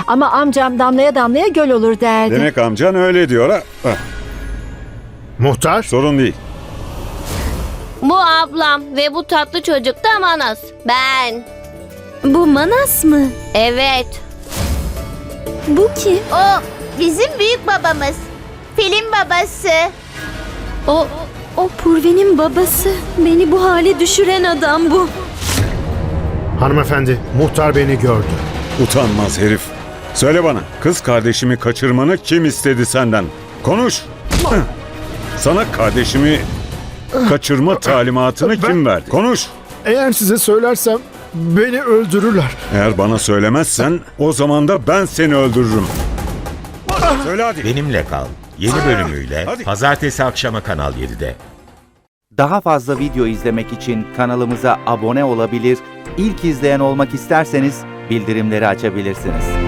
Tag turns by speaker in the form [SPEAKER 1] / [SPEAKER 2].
[SPEAKER 1] Ama amcam damlaya damlaya göl olur derdi.
[SPEAKER 2] Demek amcan öyle diyor ha. Hah,
[SPEAKER 3] Muhtar,
[SPEAKER 2] sorun değil.
[SPEAKER 4] Bu ablam ve bu tatlı çocuk da Manas. Ben.
[SPEAKER 5] Bu Manas mı?
[SPEAKER 4] Evet.
[SPEAKER 5] Bu kim?
[SPEAKER 6] O bizim büyük babamız. Film babası.
[SPEAKER 5] O Purve'nin babası. Beni bu hale düşüren adam bu.
[SPEAKER 3] hanımefendi, muhtar beni gördü.
[SPEAKER 2] Utanmaz herif. Söyle bana, kız kardeşimi kaçırmanı kim istedi senden? Konuş. Hah. Sana kardeşimi kaçırma talimatını kim verdi? Konuş.
[SPEAKER 3] Eğer size söylersem beni öldürürler.
[SPEAKER 2] Eğer bana söylemezsen o zaman da ben seni öldürürüm. Söyle hadi.
[SPEAKER 7] Benimle Kal yeni bölümüyle
[SPEAKER 2] Hadi.
[SPEAKER 7] pazartesi akşamı Kanal 7'de.
[SPEAKER 8] Daha fazla video izlemek için kanalımıza abone olabilir, ilk izleyen olmak isterseniz bildirimleri açabilirsiniz.